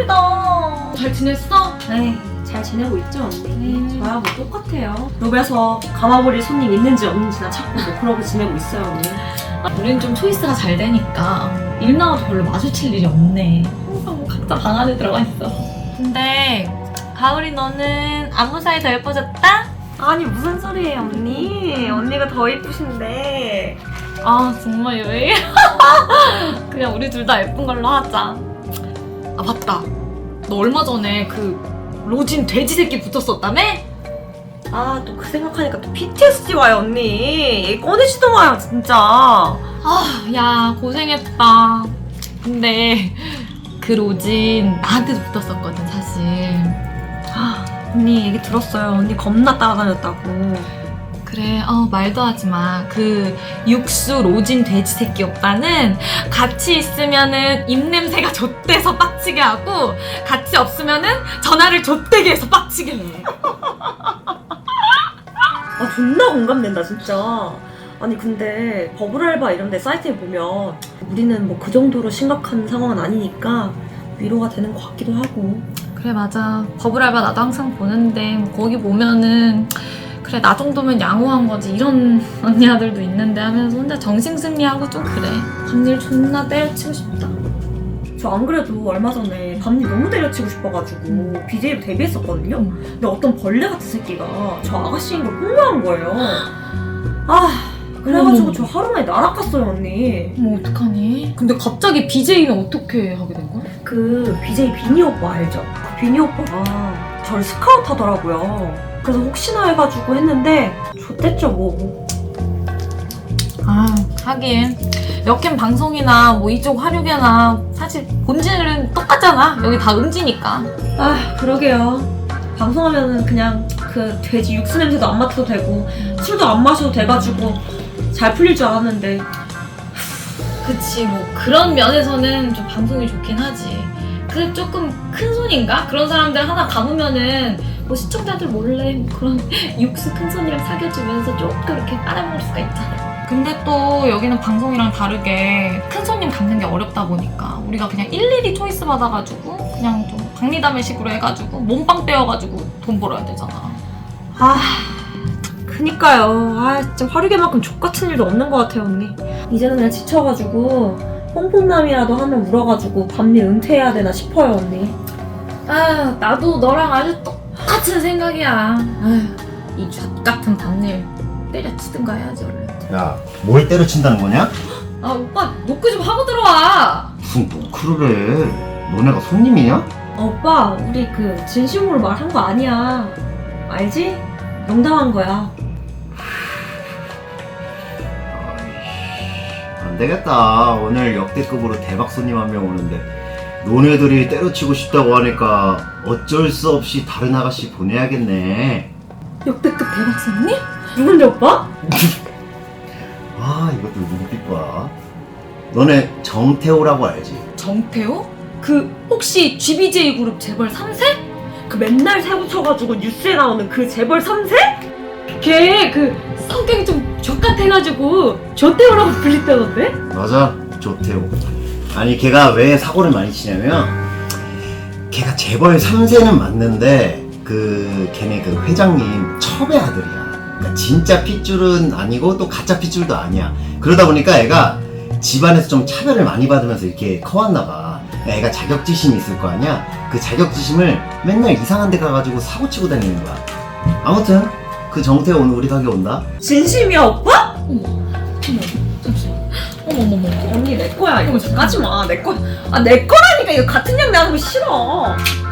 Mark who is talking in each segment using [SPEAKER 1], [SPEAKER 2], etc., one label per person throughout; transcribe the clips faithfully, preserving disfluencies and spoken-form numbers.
[SPEAKER 1] 힘들다. 잘 지냈어?
[SPEAKER 2] 네, 잘 지내고 있죠, 언니?
[SPEAKER 1] 음.
[SPEAKER 2] 저야 뭐 똑같아요. 로베에서 감아버릴 손님 있는지 없는지나 찾고 뭐 그러고 지내고 있어요, 언니.
[SPEAKER 1] 우린 좀 초이스가 잘 되니까 일 나와도 별로 마주칠 일이 없네. 항상 각자 방 안에 들어가 있어. 근데 가을이 너는 안무 사이 더 예뻐졌다?
[SPEAKER 2] 아니, 무슨 소리예요, 언니? 언니가 더 예쁘신데.
[SPEAKER 1] 아 정말 왜? 그냥 우리 둘 다 예쁜 걸로 하자. 아 맞다. 너 얼마 전에 그 로진 돼지 새끼 붙었었다며?
[SPEAKER 2] 아, 또 그 생각하니까 또 피티에스디 와요, 언니. 꺼내지도 마요, 진짜.
[SPEAKER 1] 아, 야 고생했다. 근데 그 로진 나한테도 붙었었거든 사실.
[SPEAKER 2] 아, 언니 얘기 들었어요. 언니 겁나 따라다녔다고.
[SPEAKER 1] 그래, 어 말도 하지 마. 그 육수 로진 돼지 새끼 오빠는 같이 있으면은 입냄새가 좆대서 빡치게 하고 같이 없으면은 전화를 좆대게 해서 빡치게 해.
[SPEAKER 2] 아, 존나 공감된다, 진짜. 아니, 근데 버블 알바 이런 데 사이트에 보면 우리는 뭐 그 정도로 심각한 상황은 아니니까 위로가 되는 것 같기도 하고.
[SPEAKER 1] 그래 맞아. 버블 알바 나도 항상 보는데 뭐 거기 보면은 그래 나 정도면 양호한 거지 이런 언니들도 있는데 하면서 혼자 정신승리하고 좀 그래. 밤일 존나 때려치고 싶다.
[SPEAKER 2] 저 안 그래도 얼마 전에 밤일 너무 때려치고 싶어가지고 비제이로 데뷔했었거든요?
[SPEAKER 1] 응.
[SPEAKER 2] 근데 어떤 벌레 같은 새끼가 저 아가씨인 걸 폭로한 거예요. 아, 그래가지고
[SPEAKER 1] 어머.
[SPEAKER 2] 저 하루 만에 날아갔어요, 언니.
[SPEAKER 1] 뭐 어떡하니? 근데 갑자기 비제이는 어떻게 하게 된 거야?
[SPEAKER 2] 그 비제이 비니 오빠 알죠? 그 비니 오빠가 저를 스카우트 하더라고요. 그래서 혹시나 해가지고 했는데 좋댔죠 뭐.
[SPEAKER 1] 아 하긴 여캠 방송이나 뭐 이쪽 화류계나 사실 본질은 똑같잖아. 여기 다 음지니까.
[SPEAKER 2] 아, 그러게요. 방송하면은 그냥 그 돼지 육수 냄새도 안 맡아도 되고 술도 안 마셔도 돼가지고 잘 풀릴 줄 알았는데.
[SPEAKER 1] 그치 뭐 그런 면에서는 좀 방송이 좋긴 하지. 그 조금 큰 손인가? 그런 사람들 하나 감으면은 뭐 시청자들 몰래 뭐 그런 육수 큰 손이랑 사귀어주면서 조금 이렇게 빨아먹을 수가 있잖아. 근데 또 여기는 방송이랑 다르게 큰 손님 감는 게 어렵다 보니까 우리가 그냥 일일이 초이스 받아가지고 그냥 좀 박리담회식으로 해가지고 몸빵 떼어가지고 돈 벌어야 되잖아.
[SPEAKER 2] 아, 그니까요. 아, 진짜 화류계만큼 족같은 일도 없는 것 같아요, 언니. 이제는 그냥 지쳐가지고 뽕뽕남이라도 하면 울어가지고 밤일 은퇴해야 되나 싶어요, 언니.
[SPEAKER 1] 아 나도 너랑 아주 똑같은 생각이야. 아휴 이 잣같은 밤일 때려치든가 해야지 얼른.
[SPEAKER 3] 야, 뭘 때려친다는 거냐?
[SPEAKER 1] 아 오빠 노크 좀 하고 들어와.
[SPEAKER 3] 무슨 노크를 해? 너네가 손님이냐?
[SPEAKER 2] 아, 오빠, 우리 그 진심으로 말한 거 아니야. 알지? 농담한 거야.
[SPEAKER 3] 안 되겠다. 오늘 역대급으로 대박 손님 한 명 오는데 너네들이 때려치고 싶다고 하니까 어쩔 수 없이 다른 아가씨 보내야겠네.
[SPEAKER 2] 역대급 대박 손님? 누군데, 오빠?
[SPEAKER 3] 아, 이것도 눈빛 봐. 너네 정태호라고 알지?
[SPEAKER 1] 정태호? 그 혹시 지비제이 그룹 재벌 삼 세?
[SPEAKER 2] 그 맨날 새 붙여가지고 뉴스에 나오는 그 재벌 삼 세?
[SPEAKER 1] 걔 그 성격이 좀 족같아가지고 조태호라고 불리다던데?
[SPEAKER 3] 맞아, 조태호. 아니, 걔가 왜 사고를 많이 치냐면 걔가 재벌 삼 세는 맞는데 그 걔네 그 회장님 첩의 아들이야. 그러니까 진짜 핏줄은 아니고 또 가짜 핏줄도 아니야. 그러다 보니까 애가 집안에서 좀 차별을 많이 받으면서 이렇게 커왔나 봐. 애가 자격지심이 있을 거 아니야? 그 자격지심을 맨날 이상한 데 가가지고 사고치고 다니는 거야. 아무튼 그 정태호 오늘 우리 가게 온다.
[SPEAKER 2] 진심이야, 오빠?
[SPEAKER 1] 어머 어머 잠시만 어머머머
[SPEAKER 2] 언니, 내 거야. 이거
[SPEAKER 1] 어머,
[SPEAKER 2] 까지 마. 내 거야. 아, 내 거라니까. 이거 같은 양 나는 거 싫어.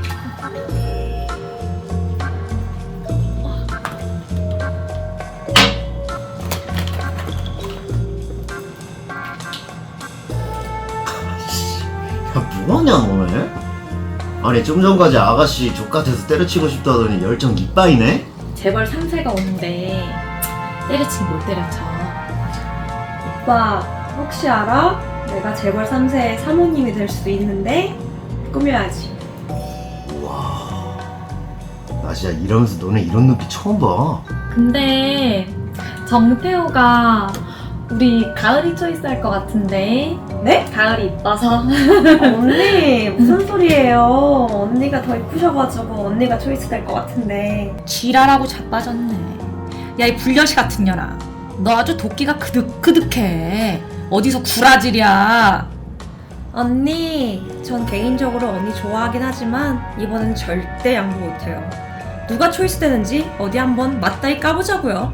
[SPEAKER 3] 야, 뭐하냐 너네? 아니 좀 전까지 아가씨 족같아서 때려치고 싶다더니 열정 이빠이네?
[SPEAKER 1] 재벌 삼 세가 오는데 때려치긴 못 때려쳐.
[SPEAKER 2] 오빠, 혹시 알아? 내가 재벌 삼 세의 사모님이 될 수도 있는데 꾸며야지.
[SPEAKER 3] 우와, 나 진짜 이러면서 너네 이런 눈빛 처음 봐.
[SPEAKER 1] 근데 정태호가 우리 가을이 초이스 할 것 같은데
[SPEAKER 2] 네?
[SPEAKER 1] 가을이 이뻐서.
[SPEAKER 2] 언니 무슨 소리예요? 언니가 더 이쁘셔가지고 언니가 초이스 될 것 같은데.
[SPEAKER 4] 지랄하고 자빠졌네. 야, 이 불려시 같은 년아. 너 아주 도끼가 그득그득해. 어디서 구라질이야.
[SPEAKER 2] 언니, 전 개인적으로 언니 좋아하긴 하지만 이번엔 절대 양보 못해요. 누가 초이스 되는지 어디 한번 맞다이 까보자고요.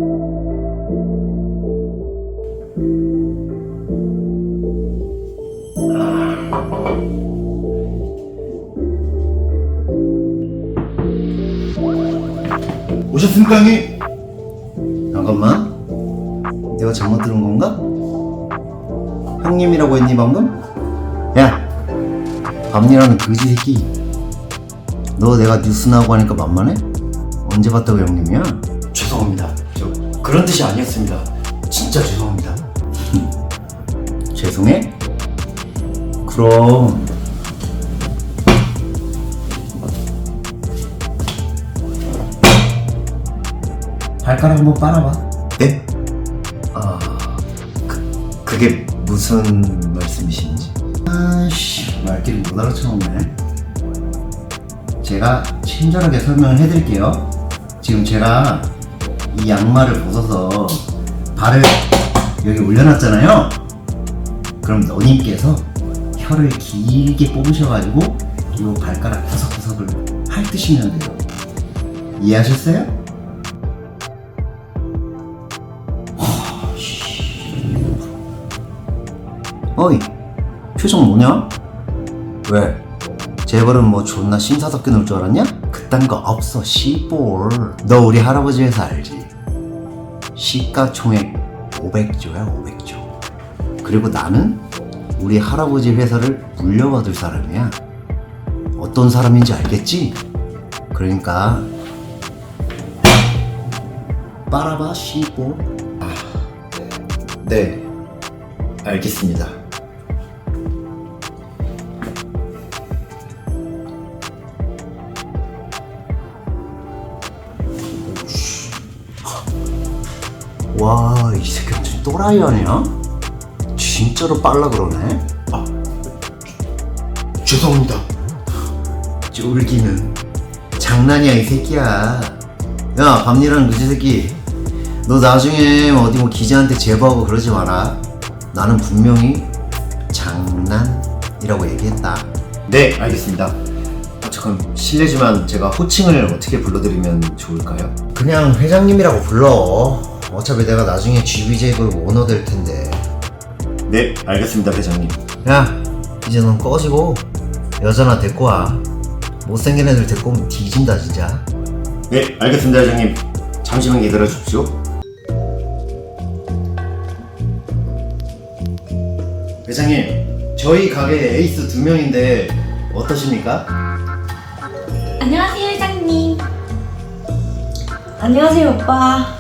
[SPEAKER 3] 오셨습니까, 형님? 잠깐만. 내가 잘못 들은 건가? 형님이라고 했니, 방금? 야, 밤이라는 그지 새끼. 너 내가 뉴스 나오고 하니까 만만해? 언제 봤다고 형님이야? 죄송합니다. 저 그런 뜻이 아니었습니다. 진짜 죄송합니다. 죄송해? 그럼 발가락 한번 빨아봐. 네? 아, 그, 그게 무슨 말씀이신지? 아씨, 말귀를 못 알아채었네. 제가 친절하게 설명을 해드릴게요. 지금 제가 이 양말을 벗어서 발을 여기 올려놨잖아요. 그럼 너님께서 혀를 길게 뽑으셔가지고 이 발가락 구석구석을 핥으시면 돼요. 이해하셨어요? 어이, 표정 뭐냐? 왜? 재벌은 뭐 존나 신사답게 놀 줄 알았냐? 그딴 거 없어, 씨볼. 너 우리 할아버지 회사 알지? 시가총액 오백조야, 오백조. 그리고 나는 우리 할아버지 회사를 물려받을 사람이야. 어떤 사람인지 알겠지? 그러니까 빨아봐, 씨볼. 아, 네, 알겠습니다. 와, 이 새끼 무슨 또라이 아니야? 진짜로 빨라 그러네? 아, 죄송합니다. 쫄기는 장난이야, 이 새끼야. 야, 밤일하는 그지 새끼, 너 나중에 어디 뭐 기자한테 제보하고 그러지 마라. 나는 분명히 장난이라고 얘기했다. 네, 알겠습니다. 아, 잠깐 실례지만 제가 호칭을 어떻게 불러드리면 좋을까요? 그냥 회장님이라고 불러. 어차피 내가 나중에 지비제이블 오너 될 텐데. 네, 알겠습니다, 회장님. 야, 이제 넌 꺼지고 여자나 데리고 와. 못생긴 애들 데리고 오면 뒤진다, 진짜. 네, 알겠습니다, 회장님. 잠시만 기다려 주십시오. 회장님, 저희 가게 에이스 두 명인데 어떠십니까?
[SPEAKER 1] 안녕하세요, 회장님.
[SPEAKER 2] 안녕하세요, 오빠.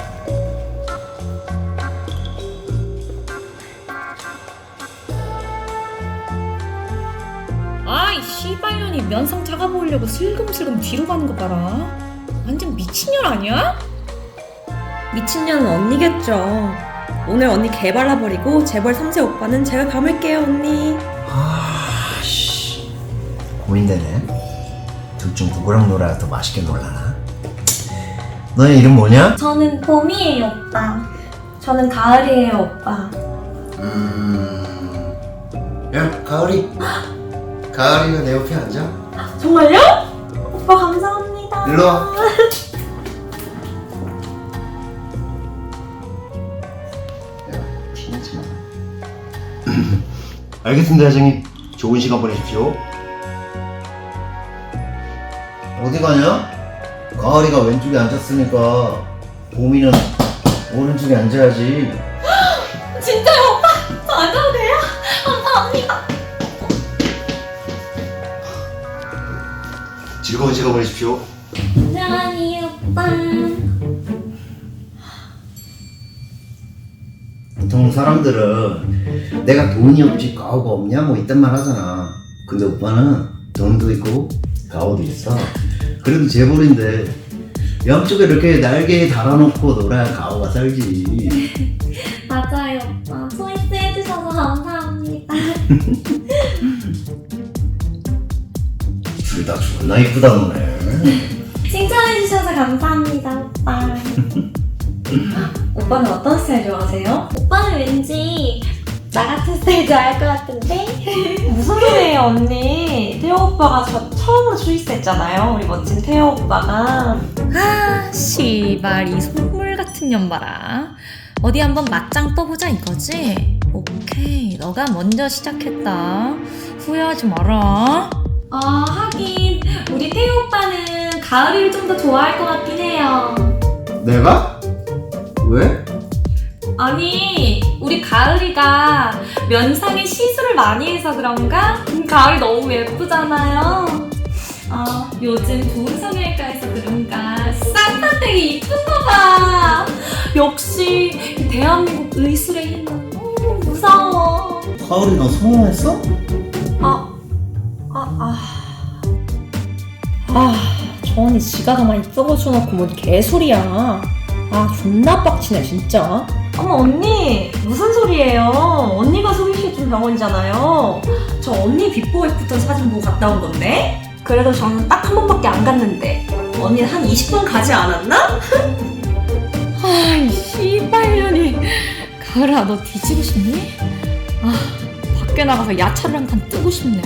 [SPEAKER 1] 아이 씨발년이 면상 작아 보이려고 슬금슬금 뒤로 가는 거 봐라. 완전 미친년 아니야?
[SPEAKER 2] 미친년은 언니겠죠. 오늘 언니 개발라버리고 재벌 삼 세 오빠는 제가 감을게요, 언니.
[SPEAKER 3] 아씨, 고민되네. 둘 중 누구랑 놀아야 더 맛있게 놀라나? 너의 이름 뭐냐?
[SPEAKER 2] 저는 봄이에요, 오빠. 저는 가을이에요, 오빠.
[SPEAKER 3] 음... 야, 가을이. 가을이가 내 옆에 앉아.
[SPEAKER 2] 정말요? 오빠 감사합니다.
[SPEAKER 3] 일로 와. 야, 티내지 마. 알겠습니다, 회장님. 좋은 시간 보내십시오. 어디 가냐? 가을이가 왼쪽에 앉았으니까 봄이는 오른쪽에 앉아야지.
[SPEAKER 1] 진짜요, 오빠? 저 앉아도 돼요? 감사합니다.
[SPEAKER 3] 즐거운 시간 보내십시오.
[SPEAKER 1] 안녕하세요, 오빠.
[SPEAKER 3] 보통 사람들은 내가 돈이 없지 가오가 없냐 뭐 이딴 말 하잖아. 근데 오빠는 돈도 있고 가오도 있어. 그래도 재벌인데 양쪽에 이렇게 날개에 달아놓고 놀아야 가오가 살지.
[SPEAKER 1] 맞아요, 오빠. 초이스 해주셔서 감사합니다.
[SPEAKER 3] 둘 다 존나 이쁘다 오늘.
[SPEAKER 2] 칭찬해주셔서 감사합니다, 오빠. 오빠는 어떤 스타일 좋아하세요?
[SPEAKER 1] 오빠는 왠지 나 같은 스타일 좋아할 것 같은데?
[SPEAKER 2] 무슨 소리예요, 언니? 태호 오빠가 저 처음으로 초이스했잖아요. 우리 멋진 태호 오빠가.
[SPEAKER 4] 아, 씨발 이 속물 같은 년 봐라. 어디 한번 맞짱 떠보자 이거지? 오케이, 너가 먼저 시작했다. 후회하지 마라.
[SPEAKER 1] 어, 하긴 우리 태우 오빠는 가을이를 좀 더 좋아할 것 같긴 해요.
[SPEAKER 3] 내가? 왜?
[SPEAKER 1] 아니, 우리 가을이가 면상에 시술을 많이 해서 그런가? 음, 가을이 너무 예쁘잖아요. 아, 요즘 좋은 성형외과에서 그런가 쌍판되게 이쁜 거 봐. 역시 이 대한민국 의술의 힘은 음, 무서워.
[SPEAKER 3] 가을이 너 성형했어?
[SPEAKER 2] 아, 아, 아. 아, 저 언니 지가 더 많이 써보셔놓고 뭔 개소리야. 아, 존나 빡치네, 진짜. 어머, 언니, 무슨 소리예요? 언니가 소개시켜준 병원이잖아요. 저 언니 비포 애프터 사진 보고 갔다 온 건데? 그래도 저는 딱 한 번밖에 안 갔는데. 언니는 한 이십 분 가지 않았나?
[SPEAKER 4] 아이 씨발년이. 가을아, 너 뒤지고 싶니? 아, 밖에 나가서 야차를 한 칸 뜨고 싶네.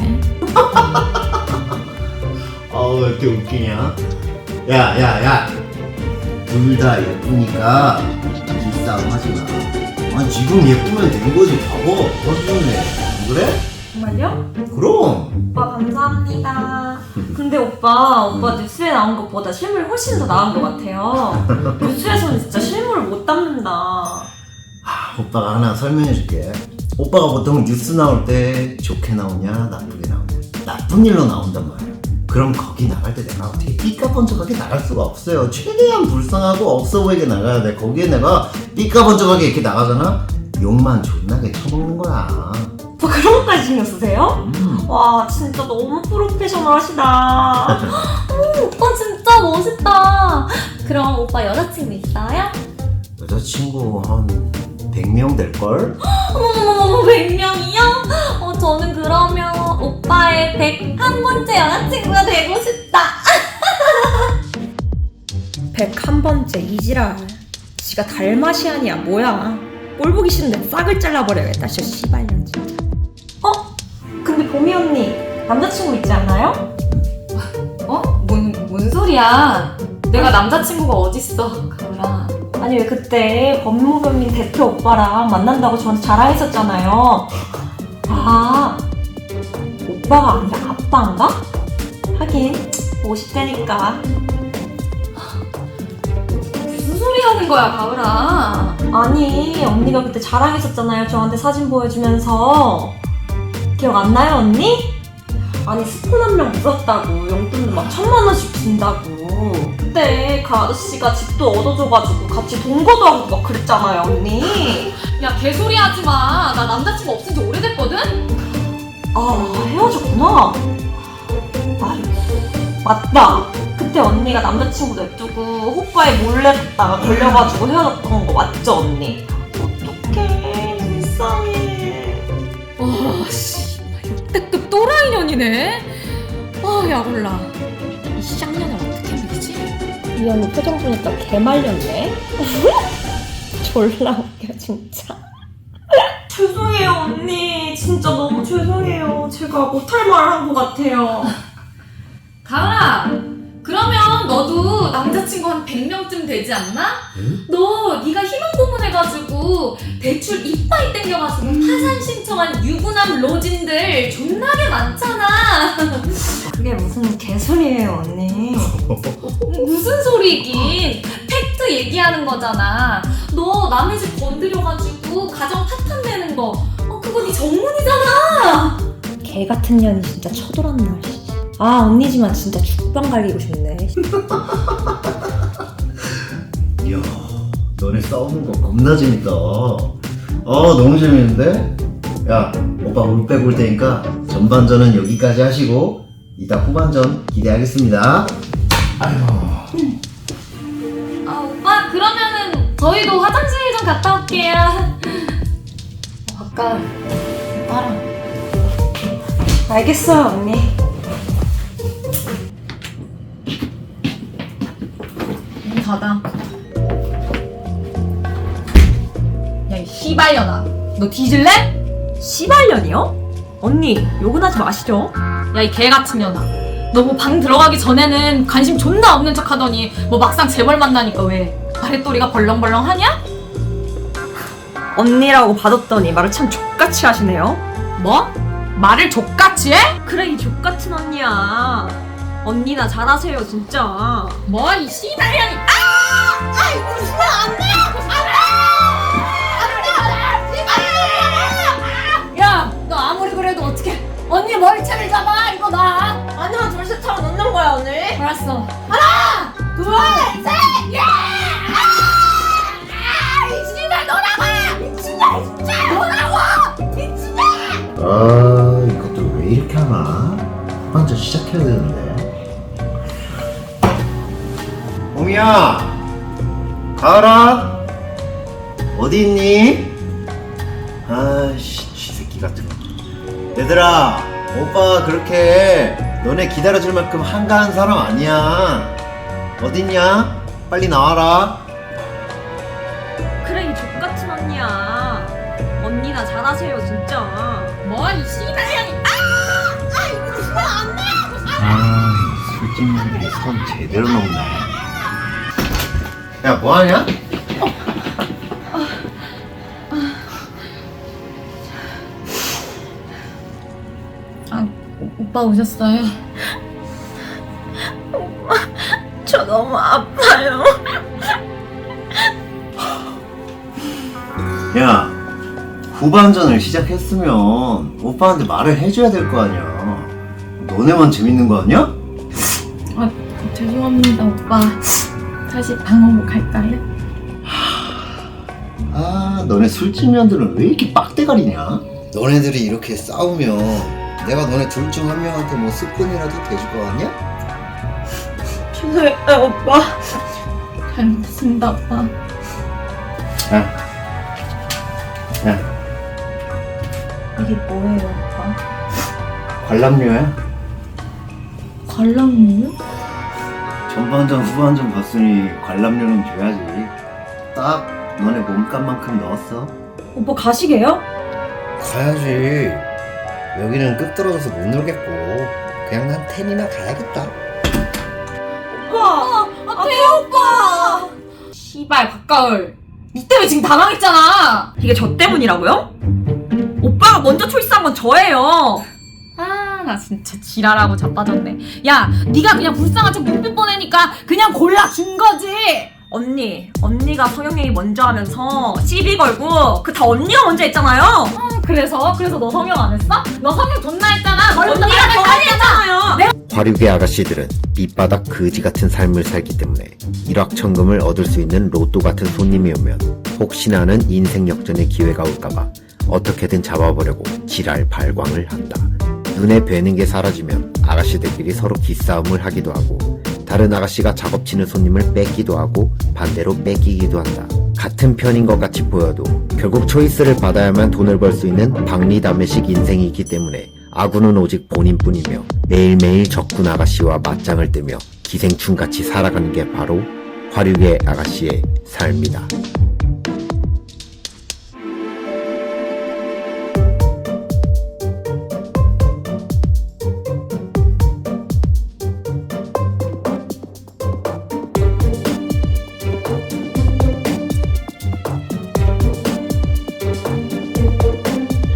[SPEAKER 3] 아우 왜 이렇게 웃기냐? 야야야 둘 다 예쁘니까 기싸움 하지마. 아 지금 예쁘면 된 거지 바보. 어쩌네 안 그래?
[SPEAKER 2] 정말요?
[SPEAKER 3] 그럼.
[SPEAKER 2] 오빠 감사합니다. 근데 오빠, 오빠 뉴스에 나온 것보다 실물이 훨씬 더 나은 것 같아요. 뉴스에서는 진짜 실물을 못 담는다.
[SPEAKER 3] 아, 오빠가 하나 설명해 줄게. 오빠가 보통 뉴스 나올 때 좋게 나오냐 나쁘게 나오냐 나쁜 일로 나온단 말이야. 그럼 거기 나갈 때 내가 어떻게 삐까번쩍하게 나갈 수가 없어요. 최대한 불쌍하고 없어 보이게 나가야 돼. 거기에 내가 삐까번쩍하게 이렇게 나가잖아? 욕만 존나게 쳐먹는 거야.
[SPEAKER 2] 오빠 그런 것까지 신경 쓰세요?
[SPEAKER 3] 음.
[SPEAKER 2] 와, 진짜 너무 프로페셔널하시다.
[SPEAKER 1] 오, 오빠 진짜 멋있다. 그럼 오빠 여자친구 있어요?
[SPEAKER 3] 여자친구 한 백 명 될걸?
[SPEAKER 1] 어머머머머, 백 명이요? 어, 저는 그러면 오빠의 백일 번째 여자친구가 되고 싶다.
[SPEAKER 2] 백일 번째 이지랄. 지가 달마시안이야 뭐야. 꼴 보기 싫은데 싹을 잘라버려야겠다 진짜 씨발년 진짜. 어? 근데 보미 언니 남자친구 있지 않나요?
[SPEAKER 1] 어? 뭔, 뭔 소리야? 내가 남자친구가 어딨어, 가을아.
[SPEAKER 2] 아니 왜 그때 법무법인 대표 오빠랑 만난다고 저한테 자랑했었잖아요. 아, 오빠가 아니라 아빠인가? 하긴 오십 대니까.
[SPEAKER 1] 무슨 소리 하는 거야, 가을아?
[SPEAKER 2] 아니 언니가 그때 자랑했었잖아요 저한테 사진 보여주면서. 기억 안 나요 언니? 아니 스폰 한 명 물었다고 용돈도 막 천만 원씩 준다고. 그때 그 아저씨가 집도 얻어줘가지고 같이 동거도 하고 막 그랬잖아요 언니.
[SPEAKER 1] 야, 개소리 하지 마. 나 남자친구 없은 지 오래됐거든?
[SPEAKER 2] 아 헤어졌구나. 아유 맞다. 그때 언니가 남자친구 냅두고 호빠에 몰래 갔다가 걸려가지고 헤어졌던 거 맞죠 언니? 어떡해 불쌍해.
[SPEAKER 4] 와, 씨, 역대급 또라이년이네. 아, 야 몰라. 이 쌍년을 어떻게 믿지?
[SPEAKER 2] 이 언니 표정 보니까 개말렸네. 졸라 웃겨 진짜. 죄송해요 언니. 진짜 너무 죄송해요. 제가 못할 말을 한 것 같아요.
[SPEAKER 1] 가을아, 그러면 너도 남자친구 한 백 명쯤 되지 않나?
[SPEAKER 3] 응?
[SPEAKER 1] 너 네가 희망 고문해가지고 대출 이빠이 땡겨가지고 파산 신청한 유부남 로진들 존나게 많잖아.
[SPEAKER 2] 그게 무슨 개소리예요 언니.
[SPEAKER 1] 무슨 소리긴. 팩트 얘기하는 거잖아. 너 남의 집 건드려가지고 가정 파탄 내는 거, 어, 그거 네 전문이잖아.
[SPEAKER 2] 개 같은 년이 진짜 쳐돌았나. 아 언니지만 진짜 죽방 갈기고 싶네.
[SPEAKER 3] 이야 너네 싸우는 거 겁나 재밌다. 아 너무 재밌는데? 야 오빠 물 빼고 올 테니까 전반전은 여기까지 하시고 이따 후반전 기대하겠습니다. 아이고.
[SPEAKER 1] 아, 오빠, 그러면은 저희도 화장실 좀 갔다 올게요. 어, 아까 오빠랑
[SPEAKER 2] 알겠어요, 언니.
[SPEAKER 1] 문 닫아. 야, 이 씨발년아. 너 뒤질래?
[SPEAKER 2] 씨발년이요? 언니, 욕은 하지 마시죠.
[SPEAKER 1] 야, 이 개같은 년아. 너 뭐 방 들어가기 전에는 관심 존나 없는 척 하더니 뭐 막상 재벌 만나니까 왜 아랫도리가 벌렁벌렁 하냐?
[SPEAKER 2] 언니라고 받았더니 말을 참 족같이 하시네요.
[SPEAKER 1] 뭐? 말을 족같이 해?
[SPEAKER 2] 그래, 이 족같은 언니야. 언니나 잘하세요, 진짜.
[SPEAKER 1] 뭐? 이 씨발년이. 아! 아, 이거 웃으면 안 돼! 안 돼! 야, 너 아무리 그래도 어떻게 언니 머리채를 잡아? 이거 나.
[SPEAKER 2] 아니면 둘셋 하고 넣는 거야, 언니.
[SPEAKER 1] 알았어. 하나, 둘, 셋, 야! 아! 이 씨발 너라고! 미친다, 진짜! 너라고! 미친다!
[SPEAKER 3] 아, 이것도 왜 이렇게 하나? 먼저 시작해야 되는데. 봄이야, 가을아, 어디 있니? 아씨, 쥐새끼 같은 거. 얘들아, 오빠 그렇게 너네 기다려줄 만큼 한가한 사람 아니야. 어딨냐? 빨리 나와라.
[SPEAKER 2] 그래, 이 족같은 언니야. 언니나 잘하세요, 진짜.
[SPEAKER 1] 뭐? 이 씨발년이. 아! 아, 이거 웃으면 안 돼!
[SPEAKER 3] 아, 이 술집년들이 선 제대로 넘네. 야, 뭐하냐?
[SPEAKER 1] 아, 오, 오빠 오셨어요?
[SPEAKER 2] 저 너무 아파요.
[SPEAKER 3] 야, 후반전을 시작했으면 오빠한테 말을 해줘야 될 거 아니야. 너네만 재밌는 거 아니야?
[SPEAKER 1] 아, 죄송합니다, 오빠. 다시 방으로 갈까요?
[SPEAKER 3] 아, 너네 술집년들은 왜 이렇게 빡대가리냐? 너네들이 이렇게 싸우면 내가 너네 둘 중 한 명한테 뭐 스푼이라도 대줄 거 같냐?
[SPEAKER 2] 죄송해요, 오빠.
[SPEAKER 1] 잘 먹습니다, 오빠.
[SPEAKER 3] 야, 야,
[SPEAKER 2] 이게 뭐예요, 오빠?
[SPEAKER 3] 관람료야?
[SPEAKER 1] 관람료요?
[SPEAKER 3] 전반전 후반전 봤으니 관람료는 줘야지. 딱 너네 몸값만큼 넣었어.
[SPEAKER 2] 오빠 가시게요?
[SPEAKER 3] 가야지. 여기는 끝 떨어져서 못 놀겠고 그냥 난 텐이나 가야겠다.
[SPEAKER 2] 오빠!
[SPEAKER 1] 아, 태호 오빠! 씨발, 박가을. 니 때문에 지금 당황했잖아!
[SPEAKER 2] 이게 저 때문이라고요? 오빠가 먼저 초이스한 건 저예요.
[SPEAKER 1] 아, 나 진짜 지랄하고 자빠졌네. 야, 네가 그냥 불쌍한 척 눈빛 보내니까 그냥 골라준 거지!
[SPEAKER 2] 언니, 언니가 성형얘기 먼저 하면서 시비 걸고 그 다 언니가 먼저 했잖아요.
[SPEAKER 1] 아, 그래서? 그래서 너 성형 안 했어? 너 성형 존나 했잖아!
[SPEAKER 2] 언니가 더 했잖아요.
[SPEAKER 3] 화류계 아가씨들은 밑바닥 거지 같은 삶을 살기 때문에 일확천금을 얻을 수 있는 로또 같은 손님이 오면 혹시나 하는 인생 역전의 기회가 올까봐 어떻게든 잡아보려고 지랄 발광을 한다. 눈에 뵈는 게 사라지면 아가씨들끼리 서로 기싸움을 하기도 하고 다른 아가씨가 작업치는 손님을 뺏기도 하고 반대로 뺏기기도 한다. 같은 편인 것 같이 보여도 결국 초이스를 받아야만 돈을 벌 수 있는 박리담회식 인생이기 때문에 아군은 오직 본인뿐이며 매일매일 적군 아가씨와 맞짱을 뜨며 기생충같이 살아가는 게 바로 화류계 아가씨의 삶이다.